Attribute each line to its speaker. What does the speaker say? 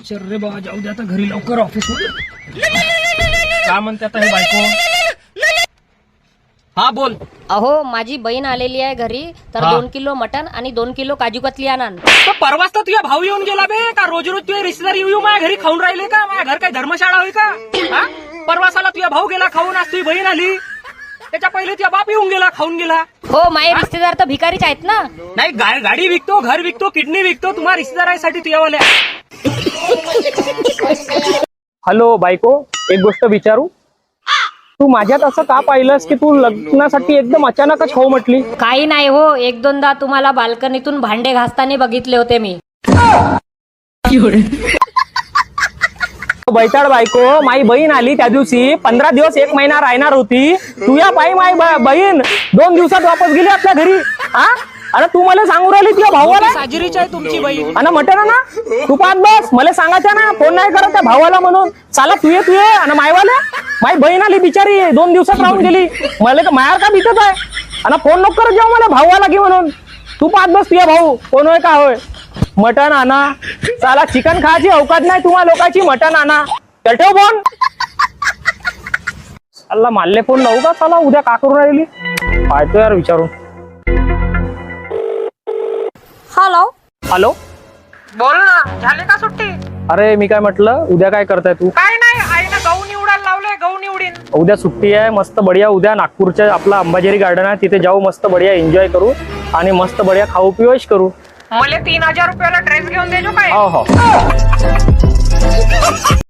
Speaker 1: चल रे बाबा, जाऊ दे आता घरी लवकर ऑफिस मध्ये. काय म्हणते आता हे बायको? हा बोल.
Speaker 2: अहो माझी बहीण आलेली आहे घरी, तर
Speaker 1: हा.
Speaker 2: 2 किलो मटन आणि 2 किलो काजू कतली आणा.
Speaker 1: तर परवाच तर तुझ्या भाऊ येऊन गेला बे. का रोज रोज तुझे रिश्तेदार येऊ माझ्या घरी खाऊन राहिले का? माझ्या घर काय धर्मशाळा होई का? हा? परवासाला तुझ्या भाऊ गेला खाऊन, आज तुझी बहीण आली. त्याच्या पहिले तुझा बाप येऊन गेला, खाऊन गेला.
Speaker 2: हो माझे रिश्तेदार तर भिकारीच आहेत ना.
Speaker 1: नाही, गाडी विकतो, घर विकतो, किडनी विकतो, तुम्हाला रिश्तेदारासाठी तुझ्यावाल्या. हॅलो बायको, एक गोष्ट विचारू? तू माझ्यात असं का पाहिलंस की तू लग्नासाठी एकदम अचानकच हो म्हटली?
Speaker 2: काही नाही हो, 1-2दा तुम्हाला बाल्कनीतून भांडे घासताना बघितले होते मी.
Speaker 1: बैताड बायको, माई बहीण आली त्या दिवशी 15 दिवस 1 महिना राहणार होती. तुझ्या पायी माई बहीण 2 दिवसात वापस गेली आपल्या घरी. हा? अरे तू मला सांगू राहिली तुझ्या भावाला साजरीची आहे तुमची बहीण आणि म्हटलं ना तू पाहत बस. मला सांगायचं ना, फोन नाही करत त्या भावाला म्हणून. साला तू ये आणि मायवाले माई बहीण आली बिचारी 2 दिवसात राहून गेली. मला का मायार का भीतच आहे आणि फोन नको करत जाऊ मला भावाला की म्हणून. तू पाहत बस तुझ्या भाऊ कोण होय का होय. मटण आणा, साला चिकन खायची अवकात नाही तुम्हाला लोकांची. मटण आणा, तर ठेव फोन. साला माल्ले फोन लावू का साला? उद्या का करून राहिली पाहतो यार विचारून.
Speaker 2: हॅलो
Speaker 1: हॅलो,
Speaker 3: बोल ना, झाले का सुट्टी?
Speaker 1: अरे मी काय म्हटलं, उद्या काय करताय तू?
Speaker 3: काय नाही, आईनं गहू निवडायला लावले, गहू निवडीन.
Speaker 1: उद्या सुट्टी आहे, मस्त बढिया. उद्या नागपूरच्या आपला अंबाझरी गार्डन आहे, तिथे जाऊ, मस्त बढिया एन्जॉय करू आणि मस्त बढिया खाऊ पिऊ ऐश करू.
Speaker 3: मला 3000 रुपयाला ड्रेस घेऊन देजो काय?
Speaker 1: हो हो.